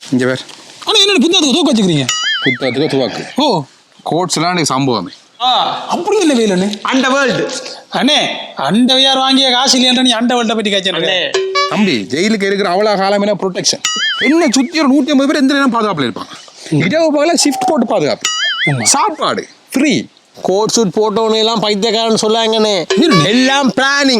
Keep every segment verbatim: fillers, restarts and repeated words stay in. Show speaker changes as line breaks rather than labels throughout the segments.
இங்கே வேறு
ஆனால் என்ன புத்தகத்துக்கு தூக்க வச்சுக்கிறீங்க?
புத்தகத்துக்கு துவாக்கு
ஓ
கோட்ஸ்லாம் எனக்கு சம்பவமே.
ஆ அப்படி இல்லை வேலு
அண்ட வேர்ல்டு
அண்ணே அண்டவையார் வாங்கிய காசு இல்லையன்ற நீ அண்ட வேல்ட்டை பற்றி காய்ச்சே.
தம்பி ஜெயிலுக்கு இருக்கிற அவ்வளோ காலம் என்ன ப்ரொடெக்ஷன் என்ன சுற்றி ஒரு நூற்றி ஐம்பது பேர் எந்த நேரம் பாதுகாப்பில் இருப்பாங்க. இரவு பகல ஷிஃப்ட் போட்டு பாதுகாப்பு, சாப்பாடு ஃப்ரீ.
கோட் சூட் போட்டவனு எல்லாம் பைத்தியக்காரன்னு சொல்லாங்கண்ணே. எல்லாம் பிளானிங்.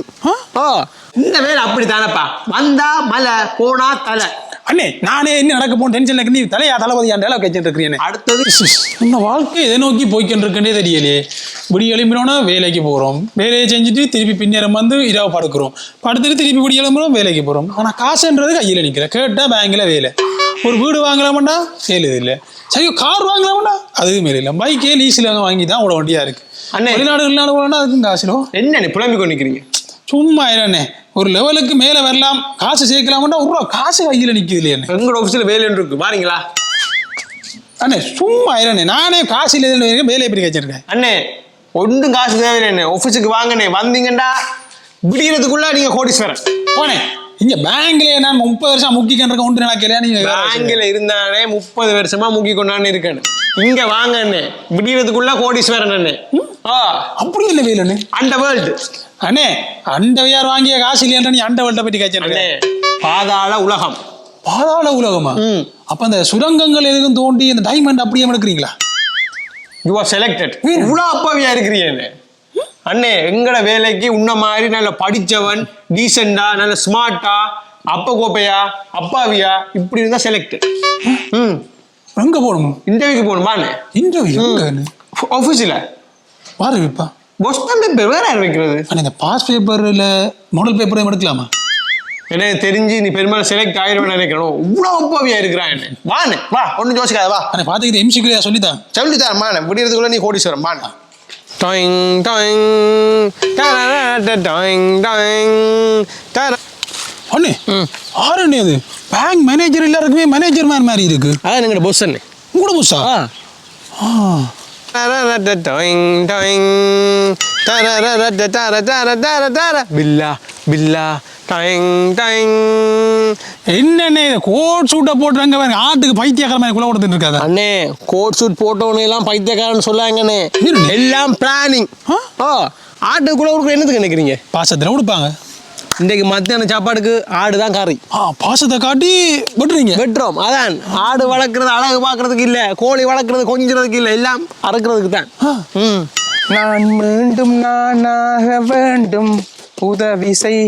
இந்த வேலை அப்படி தானப்பா, வந்தா மலை போனா தலை.
அண்ணே நானே என்ன நடக்க போன டென்ஷன் நீ தலையா தளபதி ஆண்டு அளவு கழிச்சுட்டு இருக்கிறேன்.
அடுத்தது
இந்த வாழ்க்கை எதை நோக்கி போய்க்கிட்டு இருக்கே தெரியலையே. விடி எழும்பினோன்னா வேலைக்கு போகிறோம், வேலையை செஞ்சுட்டு திருப்பி பின்னேரம் வந்து இரவு படுக்கிறோம், படுத்துட்டு திருப்பி விடி எழும்புறோம் வேலைக்கு போகிறோம். ஆனால் காசுன்றது கையில் நிற்கிற கேட்டால் பேங்கில் வேலை. ஒரு வீடு வாங்கலாமாண்டா வேலை இல்லை, சரி கார் வாங்கலாமாண்டா அதுவும் வேலை இல்லை. பைக்கே லீஸில் வாங்கி தான் அவ்வளோ வண்டியாக இருக்குது.
அண்ணே
வெளிநாடு வெளிநாடு போகலாண்டா அதுக்கும் காசுலோ
என்னண்ணே புலம்பி கொண்டு நிற்கிறீங்க?
சும்மா இல்லைண்ணே ஒரு லெவலுக்கு மேலே வரலாம் காசு சேர்க்கலாமாண்டா ஒரு காசு கையில் நிற்குது இல்லையா?
எங்களோட ஆஃபீஸில் வேலைன்னு இருக்கு வாரீங்களா?
அண்ணே சும்மா இல்லைண்ணே நானே காசு இல்லை வேலையை எப்படி வச்சிருக்கேன்.
அண்ணே ஒன்றும் காசு தேவையில்லை, ஆஃபீஸுக்கு வாங்கண்ணே. வந்தீங்கண்டா விடிகிறதுக்குள்ள நீங்க கோடீஸ்வரன்
போனே. இங்க பேங்க்ல நான் முப்பது வருஷம் முக்கிக்கிட்டு இருக்க ஒன்று நினைக்கலையா? நீங்க
பேங்க்ல இருந்தானே முப்பது வருஷமா முக்கி கொண்டான்னு இருக்கேன். இங்க வாங்கண்ணே விடிகிறதுக்குள்ள கோடீஸ்வரன் அண்ணே.
அப்படி இல்லை வேலு
அண்ட வேர்ல்டு
அண்ணே அண்டவையார் வாங்கிய காசு இல்லையன்ற நீ அண்ட வேல்ட்டை பற்றி காய்ச்சே.
பாதாள உலகம்.
பாதாள உலகமா? அப்ப அந்த சுரங்கங்கள் எதுக்கும் தோண்டி அந்த டைமண்ட் அப்படியே எடுக்கிறீங்களா?
You are selected. இவ்வளோ அப்பாவியா இருக்கிறீங்க அண்ணே. எங்கட வேலைக்கு உன்ன மாதிரி நல்ல படிச்சவன், டீசெண்டா, நல்ல ஸ்மார்ட்டா, அப்ப கோப்பையா, அப்பாவியா இப்படி இருந்தா செலக்டட். ம்
எங்க போகணும்?
இன்டர்வியூக்கு போகணுமாண்ணே?
இன்டர்வியூ
ஆஃபீஸில்
வாரு வைப்பா.
பொஸ்டன் பேப்பர் வேற யார் வைக்கிறது?
அண்ணே இந்த பாஸ் பேப்பர்ல மாடல் பேப்பரையும் எடுக்கலாமா?
எனக்கு தெரிஞ்சு நீ பெரும்பாலும் செலக்ட் ஆயிடுவேன் நினைக்கணும். இவ்வளோ அப்பாவியா இருக்கிறான் என்ன. வாண்ணே வா, ஒன்றும் யோசிக்காத வா.
அண்ணே பார்த்துக்கிட்டு எம்சிக்குரியா சொல்லித்தான்
சொல்லித்தான் மாண்ணே. விடியறதுக்குள்ள நீ கோடீஸ்வரன் மாண்ணா. டாயிங் டாயிங் டாயிங் டாயிங் டாயிங்.
அண்ணே ஆறு அண்ணே அது பேங்க் மேனேஜர் எல்லாருக்குமே மேனேஜர் மாதிரி மாதிரி இருக்கு.
அதான் எங்களோட பொஸ் அண்ணே.
உங்களோட பொஸ்ஸா? ஆ
பில்லா பில்லா டாயிங் டாயிங்.
என்னண்ணே கோட் சூட்டை போட்டுறாங்க பாருங்க, ஆட்டுக்கு பைத்தியக்கார மாதிரி குள்ள கொடுத்துட்டு இருக்காது.
அண்ணே கோட் சூட் போட்டவனு எல்லாம் பைத்தியக்காரன்னு சொல்லாங்கண்ணே. எல்லாம் பிளானிங். ஓ ஆட்டுக்குள்ள கொடுக்குற என்னதுக்கு நினைக்கிறீங்க?
பாசத்தில் கொடுப்பாங்க.
இன்றைக்கு மத்தியான சாப்பாடுக்கு ஆடு தான் கறி.
ஆ பாசத்தை காட்டி வெட்டுறீங்க.
வெட்டுறோம். அதான் ஆடு வளர்க்குறது அழகு பார்க்கறதுக்கு இல்லை, கோழி வளர்க்குறது கொஞ்சிறதுக்கு இல்லை, எல்லாம் அறுக்கிறதுக்கு தான். ம்
நான் மீண்டும் நானாக வேண்டும் உதவி செய்.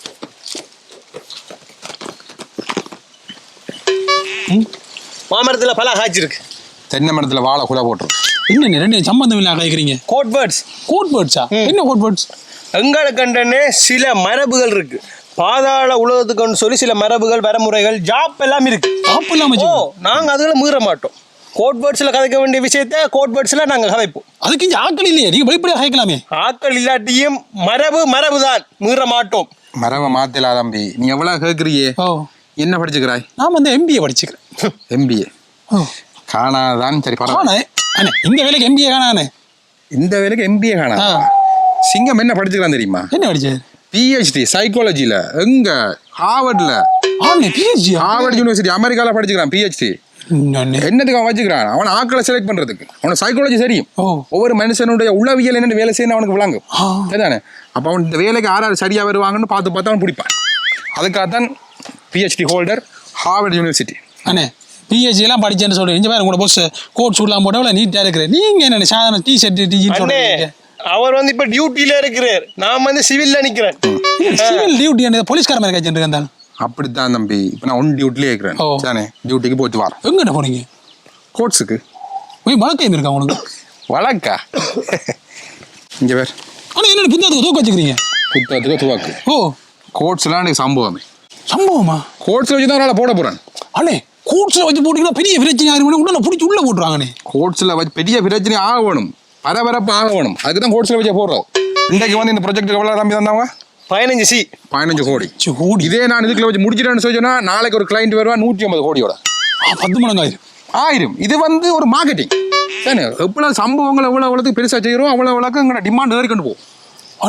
மாமரத்தில் பல காய்ச்சிருக்கு,
தென்னை மரத்தில் வாழை குலை போட்டுருக்கு.
என்ன ரெண்டு சம்பந்தம் இல்லை கேட்குறீங்க?
கோட் பேர்ட்ஸ்.
கோட் பேர்ட்ஸா? என்ன கோட் பேர்ட்ஸ்?
எங்களுக்கண்டனே சில மரபுகள் இருக்கு. பாதாள உலகத்துக்குன்னு சொல்லி சில மரபுகள், வரமுறைகள், ஜாப் எல்லாம் இருக்கு.
ஜாப் இல்லாம
ஓ நாங்க அதுல மீற மாட்டோம். கோட் பேர்ட்ஸ்ல கதைக்க வேண்டிய விஷயத்த கோட் பேர்ட்ஸ்ல நாங்க கதைப்போம்.
அதுக்கு இங்க ஆக்கள் இல்லையே, நீங்க வெளிப்படையா கேட்கலாமே.
ஆக்கள் இல்லாட்டியும் மரபு மரபு தான், மீற மாட்டோம்.
மரபை மாத்தலா தம்பி. நீ எவ்வளவு கேட்குறியே?
ஓ
என்ன படிச்சுக்கிறாய்?
நான் வந்து எம்பிஏ படிச்சுக்கிறேன்.
எம்பிஏ காணாதான். சரி பரவாயில்ல.
அண்ணே இந்த வேலைக்கு எம்பிஏ காணானே.
இந்த வேலைக்கு எம்பிஏ காணா. சிங்கம் என்ன படிச்சுக்கலாம் தெரியுமா?
என்ன படிச்சாரு?
பிஹெச்டி சைக்காலஜில. எங்க? ஹார்வர்ட்ல.
பிஹெச்டி
ஹார்வர்ட் யூனிவர்சிட்டி அமெரிக்கால படிச்சுக்கிறான் பிஹெச்டி. என்னதுக்கு அவன் வச்சுக்கிறான்? அவன் ஆக்களை செலக்ட் பண்றதுக்கு. அவன சைக்காலஜி தெரியும். ஒவ்வொரு மனுஷனுடைய உளவியல் என்னென்ன வேலை செய்யணும் அவனுக்கு விளங்கும். சரிதானே? அப்ப அவன் இந்த வேலைக்கு யார் யார் சரியா வருவாங்கன்னு பார்த்து பார்த்து அவன் பிடிப்பான். அதுக்காகத்தான் பிஹெச்டி ஹோல்டர் ஹார்வர்ட் யூனிவர்சிட்டி.
அண்ணே பிஹெச்டி எல்லாம் படிச்சேன்னு சொல்றேன். இங்க பாருங்க, உங்களோட பொஸ் கோட் சூட்லாம் போட்டா நீட்டா இருக்கிறேன். நீங்க என்ன சாதாரண டி ஷர்ட் டி ஜீன்ஸ்?
அவர் வந்து இப்ப டியூட்டில இருக்கிறார், நான் வந்து சிவில்ல நிக்கிறேன்.
சிவில் டியூட்டி என்ன போலீஸ்கார மாதிரி கழிச்சுட்டு இருக்கேன்.
அப்படித்தான் தம்பி. இப்போ நான் ஒன் டியூட்டிலே இருக்கிறேன். தானே டியூட்டிக்கு போயிட்டு வரேன்.
எங்கிட்ட போறீங்க?
கோர்ட்ஸுக்கு.
போய் வழக்கம் இருக்கா உனக்கு?
வழக்கா? இங்கே வேறு.
ஆனால் என்ன புத்தகத்துக்கு தூக்க வச்சுக்கிறீங்க?
புத்தகத்துக்கு துவாக்கு.
ஓ
கோர்ட்ஸ்லாம் எனக்கு சம்பவமே.
சம்பவமா?
கோர்ட்ஸில் வச்சு தான் அவரால் போட போகிறேன்.
அண்ணே கோர்ட்ஸில் வச்சு போட்டிங்கன்னா பெரிய பிரச்சனை ஆகிடும். உடனே பிடிச்சி உள்ளே போட்டுருவாங்கண்ணே.
கோர்ட்ஸில் வச்சு பெரிய பிரச்சனை ஆக வேணும், பரபரப்பு ஆக வேணும். அதுக்கு தான் கோர்ட்ஸில் வச்சு போடுறோம். இன்றைக்கு வந்து இந்த ப்ரொஜெக்ட் எவ்வளோ தம்பி தந்தாங்க?
பதினஞ்சு சி
பதினஞ்சு கோடி.
கோடி
இதே நான் இதுக்குள்ள வச்சு முடிச்சிட்டேன்னு சொன்னா நாளைக்கு ஒரு கிளைண்ட் வருவா நூற்றி ஐம்பது கோடியோட.
பத்து மடங்கு ஆயிரும்.
ஆயிரம். இது வந்து ஒரு மார்க்கெட்டிங் தானே. எவ்வளோ சம்பவங்கள் எவ்வளோ எவ்வளோத்துக்கு பெருசாக செய்கிறோம் அவ்வளோ எவ்வளோக்கு எங்களோட டிமாண்ட் ஏறி கொண்டு போகும்.
அண்ணே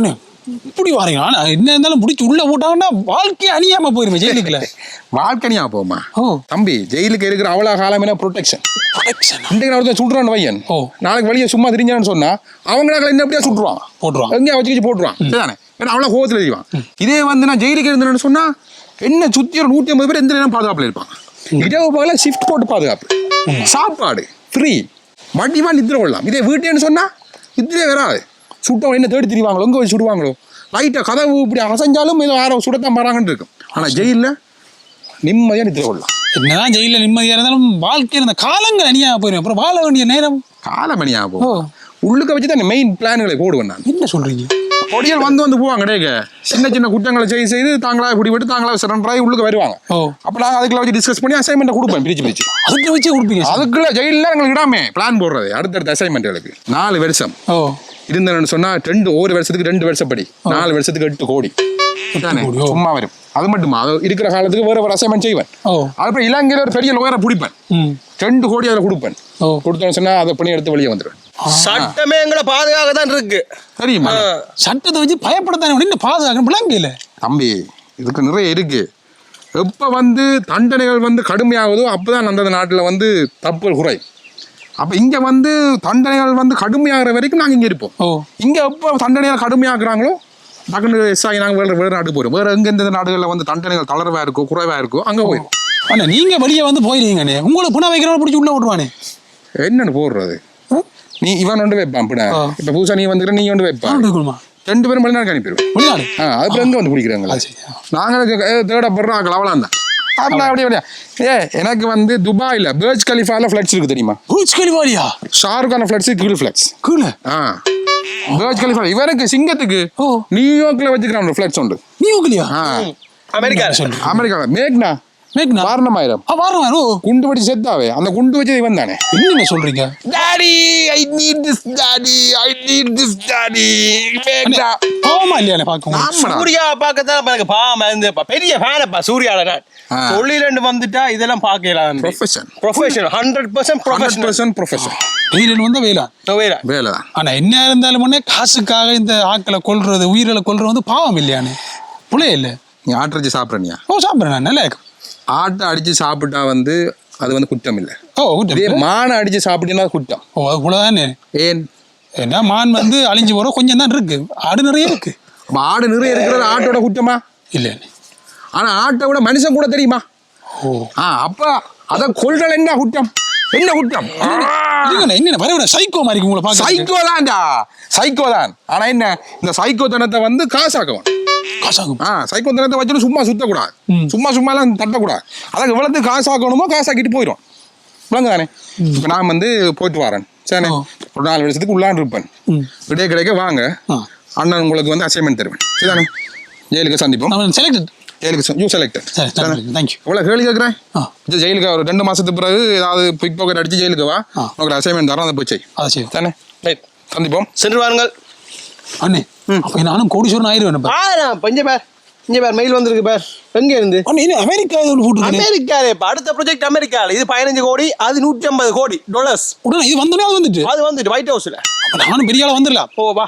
இப்படி வாரீங்க ஆனா என்ன இருந்தாலும் முடிச்சு உள்ள போட்டாங்கன்னா வாழ்க்கையை அணியாம போயிருமே ஜெயிலுக்குள்ள.
வாழ்க்கனியா போமா
ஓ
தம்பி, ஜெயிலுக்கு இருக்கிற அவ்வளோ காலம் என்ன ப்ரொடெக்ஷன்.
ப்ரொடெக்ஷன்
இன்றைக்கு நான் ஒருத்தன் சுடுறான் பையன்,
ஓ
நாளைக்கு வெளியே சும்மா தெரிஞ்சான்னு சொன்னா அவங்களால என்ன எப்படியா சுட்டுருவான்,
போட்டுருவான்
எங்கேயா வச்சு வச்சு போட்டுருவான். சரிதானே, ஏன்னா அவ்வளோ கோவத்தில் எழுதிவான். இதே வந்து நான் ஜெயிலுக்கு இருந்தேன்னு சொன்னா என்ன சுற்றி ஒரு நூற்றி ஐம்பது பேர் எந்த நேரம் பாதுகாப்பில் இருப்பாங்க. இரவு பகல ஷிஃப்ட் போட்டு பாதுகாப்பு, சாப்பாடு ஃப்ரீ, வண்டிவா நித்திர கொள்ளலாம். இதே வீட்டேன்னு சொன்னா நித்திரே வராது. சுட்டவன் என்ன தேடி திரிவாங்களோ, எங்கே வச்சு சுடுவாங்களோ, லைட்டாக கதவு இப்படி அசைஞ்சாலும் ஏதோ யாரோ சுடத்தான் வராங்கன்னு இருக்கும். ஆனால் ஜெயிலில் நிம்மதியாக நித்திர கொள்ளலாம்.
என்னதான் ஜெயில நிம்மதியா இருந்தாலும் வாழ்க்கையில் அந்த காலங்கள் அணியாக போயிடும். அப்புறம் வாழ வேண்டிய நேரம்
காலமணியாக போகும். உள்ளுக்க வச்சு தான் மெயின் பிளான்களை போடுவேன் நான்.
என்ன சொல்றீங்க?
பொடியல் வந்து வந்து போவாங்க டேக்க, சின்ன சின்ன குற்றங்களை செய்து செய்து தாங்களாக பிடிபட்டு தாங்களாக சரண்டராகி உள்ளுக்கு வருவாங்க.
ஓ
அப்போ நான் அதுக்குள்ள வச்சு டிஸ்கஸ் பண்ணி அசைன்மெண்ட்டை கொடுப்பேன், பிரிச்சு பிரிச்சு
அதுக்கு வச்சே கொடுப்பீங்க.
அதுக்குள்ள ஜெயிலில் எங்களுக்கு இடாமே பிளான் போடுறது. அடுத்தடுத்த அசைன்மெண்ட்டுகளுக்கு நாலு வருஷம்
ஓ
இருந்தேன்னு சொன்னா ரெண்டு ஒரு வருஷத்துக்கு ரெண்டு வருஷப்படி நாலு வருஷத்துக்கு எட்டு கோடி தானே சும்மா வரும். அது மட்டுமா, அது இருக்கிற காலத்துக்கு வேற ஒரு அசைன்மெண்ட் செய்வேன்.
ஓ
அதுக்கப்புறம் இலங்கையில் ஒரு பெரிய லோயரை பிடிப்பேன், ரெண்டு கோடி அதில் கொடுப்பேன்.
ஓ
கொடுத்தோன்னு சொன்னா அதை பண்ணி எடுத்து வெளியே வந்துடுவேன்.
சட்டமே எங்களை பாதுகாக்க தான் இருக்கு
தெரியுமா?
சட்டத்தை வச்சு பயப்படத்தானே என்ன பாதுகாக்கணும் விளங்கல
தம்பி. இதுக்கு நிறைய இருக்கு. எப்போ வந்து தண்டனைகள் வந்து கடுமையாகுதோ அப்போதான் அந்த நாட்டில் வந்து தப்புகள் குறை. அப்போ இங்கே வந்து தண்டனைகள் வந்து கடுமையாகிற வரைக்கும் நாங்கள் இங்கே இருப்போம்.
ஓ
இங்கே எப்போ தண்டனைகள் கடுமையாக்குறாங்களோ டக்குனு எஸ் ஆகி நாங்கள் வேறு வேறு நாடு போயிடும். வேறு எங்கே எந்த நாடுகளில் வந்து தண்டனைகள் தளர்வாக இருக்கோ குறைவாக இருக்கோ அங்கே போயிடும்.
அண்ணா நீங்கள் வெளியே வந்து போயிருவீங்கண்ணே, உங்களுக்கு புனா வைக்கிறவங்க பிடிச்சி உள்ளே விட்டுவானே.
என்னன்னு போடுறது, நீ இவன் ஒன்று வைப்பான் பின்ன. இப்போ புதுசாக நீ வந்துக்கிற நீ ஒன்று வைப்பான், ரெண்டு பேரும் வெளிநாடு அனுப்பிடுவேன்.
வெளிநாடு
ஆ அதுக்கு எங்கே வந்து பிடிக்கிறாங்களா? நாங்கள் தேடப்படுறோம் அவ்வளோதான். அப்படின்னா அப்படியே அப்படியா ஏ எனக்கு வந்து துபாயில் பர்ஜ் கலிஃபால ஃப்ளட்ஸ் இருக்கு தெரியுமா?
பர்ஜ் கலிஃபாலியா?
ஷாருக்கான ஃப்ளட்ஸ் கீழ் ஃப்ளட்ஸ்
கீழே.
ஆ பர்ஜ் கலிஃபா இவருக்கு சிங்கத்துக்கு
ஓ
நியூயார்க்ல வச்சுக்கிறான் ஒரு ஃப்ளட்ஸ் உண்டு.
நியூயார்க்லயா?
ஆ
அமெரிக்கா
சொல்லு.
அமெரிக்காவில் மேக்னா
மேக்னா
வாரணமாயிரம்.
ஆ வாரணமாயிரம். ஓ
குண்டு வெடிச்சு செத்தாவே அந்த குண்டு வச்சது இவன் தானே.
என்னங்க சொல்றீங்க?
Daddy I need this daddy I need this daddy மேக்னா.
பாவமா இல்லையானே பார்க்க?
சூர்யா பார்க்கத்தான் எனக்கு பாவம் இருந்து பெரிய ஃபேனப்பா சூர்யால. நான் தொழில் வந்துட்டா இதெல்லாம் பார்க்கலாம்.
Profession
profession hundred percent professional
percent profession.
வெயிலன் வந்தா வெயிலா
வேலை
வேலை தான்.
ஆனா என்ன இருந்தாலும் முன்னே காசுக்காக இந்த ஆக்களை கொல்றது உயிரில கொல்றது வந்து பாவம் இல்லையானே? புள்ளைய இல்லை.
நீ ஆட்டரிச்சு சாப்பிட்றனியா?
ஓ சாப்பிட்றேன் நான். நல்லா இருக்கும்.
ஆட்டை அடிச்சு சாப்பிட்டா வந்து அது வந்து குற்றம் இல்லை.
ஓ
இதே மானை அடிச்சு சாப்பிட்டீங்கன்னா குற்றம்.
ஓ அது கூட தானே.
ஏன்
ஏன்னா மான் வந்து அழிஞ்சு போகிறோம் கொஞ்சம் தான் இருக்கு, ஆடு நிறைய இருக்கு.
ஆடு நிறைய இருக்கிறது ஆட்டோட குற்றமா?
இல்லை.
ஆனால் ஆட்டை விட மனுஷன் கூட தெரியுமா?
ஓ
ஆ அப்போ அதை கொள்றல் என்ன குற்றம்? என்ன குற்றம்?
என்ன வர சைக்கோ மாதிரி உங்களை பார்க்க?
சைக்கோ தான்டா, சைக்கோ தான். ஆனால் என்ன இந்த சைக்கோ தனத்தை வந்து காசாக்குவான்.
காசாகும்.
ஆ சைக்கோ தனத்தை வச்சுட்டு சும்மா சுத்தக்கூடாது, சும்மா சும்மாலாம் தட்டக்கூடாது. அதுக்கு எவ்வளோத்து காசாக்கணுமோ காசாக்கிட்டு போயிடும். விளங்கு தானே? இப்போ நான் வந்து போயிட்டு வரேன் சரி, ஒரு நாலு வருஷத்துக்கு உள்ளான் இருப்பேன். விடைய கிடைக்க வாங்க, அண்ணன் உங்களுக்கு வந்து அசைன்மெண்ட் தருவேன். சரிதானே? ஜெயிலுக்கு சந்திப்போம்.
செலக்டட்.
ஜெயிலுக்கு யூ செலக்டட்.
தேங்க்யூ.
எவ்வளோ கேள்வி கேட்குறேன். ஜெயிலுக்கு ஒரு ரெண்டு மாசத்துக்கு பிறகு ஏதாவது பிக் பாக்கெட் அடிச்சு ஜெயிலுக்கு வா, உங்களுக்கு அசைன்மெண்ட் தரோம், அதை போய் செய்.
அதை செய்யும்
தானே? சந்திப்போம்.
சென்று வாருங்கள்
அண்ணே. அப்போ நானும் கோடீஸ்வரன் ஆயிடுவேன்.
பஞ்ச பேர் இங்க பேர் மெயில் வந்திருக்கு பேர். எங்க இருந்து?
அமெரிக்கா.
அமெரிக்காலே அடுத்த ப்ராஜெக்ட் அமெரிக்கால. இது பதினஞ்சு கோடி, அது நூற்றி ஐம்பது கோடி டாலர்ஸ்.
உடனே இது வந்தோடனே அது வந்துட்டு
அது வந்துட்டு ஒயிட் ஹவுஸ்ல.
நானும் பெரிய ஆளா வந்துடலாம்.
ஓ வா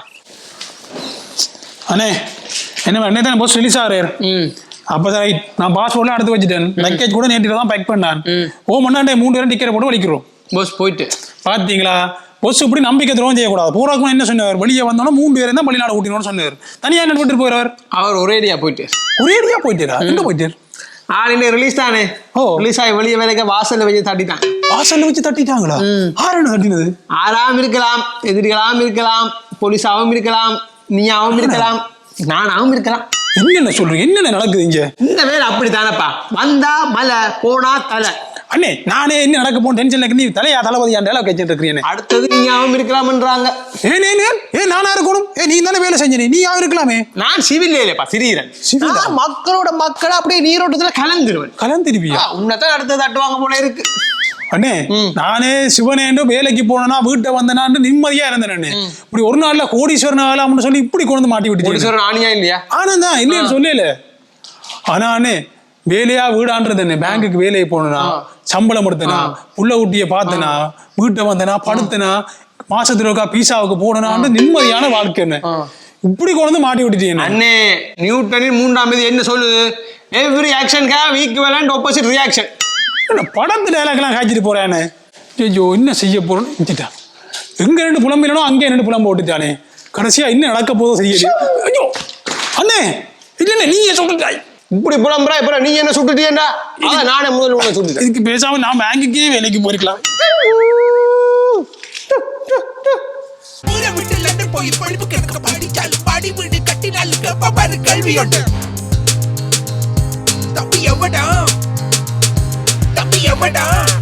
அண்ணே. என்ன என்ன தானே போஸ் ரிலீஸ் ஆகிறார். அப்பதான் ரைட். நான் பாஸ்போர்ட்லாம் எடுத்து வச்சுட்டேன். லக்கேஜ் கூட நேற்று தான் பேக் பண்ணான். ஓ மண்ணாண்டே மூணு பேரும் டிக்கெட் போட்டு வலிக்கிறோம்.
போஸ் போயிட்டு
பாத்தீங்களா? பொஸ் இப்படி நம்பிக்கை துரோகம் செய்யக்கூடாது. பூராக்கும் என்ன சொன்னார்? வெளியே வந்தோன்னா மூணு பேரும் தான் வெளிநாடு கூட்டினோன்னு சொன்னார். தனியா என்ன போட்டு போயிடுவார்?
அவர் ஒரேடியா போயிட்டு
ஒரேடியா போயிட்டாரா? எங்க போயிட்டார்?
ஆளுநர் ரிலீஸ் தானே. ஓ ரிலீஸ் ஆகி வெளியே வேலைக்கு வாசல்ல வச்சு தட்டிட்டான்.
வாசல்ல வச்சு தட்டிட்டாங்களா? ஆறு தட்டினது
ஆறாம் இருக்கலாம், எதிரிகளாம் இருக்கலாம், போலீஸாவும் இருக்கலாம், நீயாவும் இருக்கலாம், நானாவும் இருக்கலாம்.
என்னென்ன சொல்றீங்க? என்னென்ன நடக்குது இங்க?
இந்த வேலை அப்படி தானப்பா. வந்தா மலை, போனா தலை.
அண்ணே நானே என்ன நடக்க போன டென்ஷன்ல நீ தலையா தளபதியா டேலாக் வச்சிட்டு இருக்கீங்க.
அடுத்தது நீயாவும் இருக்கலாம்ன்றாங்க.
ஏன் ஏன் ஏன் நானா இருக்கணும்? ஏ நீ தானே வேலை செஞ்ச, நீ யாவும் இருக்கலாமே.
நான் சிவில் இல்லையப்பா, சிறீரன். மக்களோட மக்கள் அப்படியே நீரோட்டத்துல கலந்துருவேன்.
கலந்துருவியா?
உன்னதான் அடுத்தது தட்டுவாங்க போல இருக்கு.
அண்ணே நானே சிவனேண்டு வேலைக்கு போனா வீட்டை வந்தனான்னு நிம்மதியா இருந்தேன். இப்படி ஒரு நாள்ல கோடீஸ்வரன் ஆகலாம்னு சொல்லி இப்படி கொண்டு மாட்டி விட்டு.
கோடீஸ்வரன் ஆனியா இல்லையா?
ஆனந்தான் இல்லைன்னு சொல்லல. ஆனா அண்ணே வேலையா வீடான்றது என்ன? பேங்குக்கு வேலையை போனா, சம்பளம் எடுத்தனா, புள்ள ஊட்டிய பார்த்தனா, வீட்டை வந்தனா, படுத்தனா, மாசத்துல இருக்கா பீஸாவுக்கு போனான்னு நிம்மதியான வாழ்க்கை. என்ன இப்படி கொண்டு மாட்டி விட்டுட்டீங்க
அண்ணே நியூட்டனின் மூன்றாம் விதி என்ன சொல்லுது? Every action have equivalent opposite reaction.
படத்து டைலாக்லாம் காய்ச்சிட்டு போறானே. ஐயோ என்ன செய்ய போறோம் இஞ்சிட்டா. எங்க ரெண்டு புலம்பிலனோ அங்கே ரெண்டு புலம்பு ஓட்டுட்டானே. கடைசியா என்ன நடக்க போதோ செய்யல. ஐயோ அண்ணே இல்ல நீ சொல்லிட்டாய்.
இப்படி புலம்புறா இப்ப நீ என்ன சுட்டுட்டியேண்டா? அதான் நானே முதல்ல உன்னை சுட்டுட்டேன்.
இதுக்கு பேசாம நான் பேங்குக்கே வேலைக்கு போயிருக்கலாம்.
ஊரை விட்டு லண்டன் போய் படிப்பு கிடக்க படிச்சாலும் பாடி வீடு கட்டினாலும் பாரு கல்வி உண்டு. தம்பி எவடா தம்பி எவடா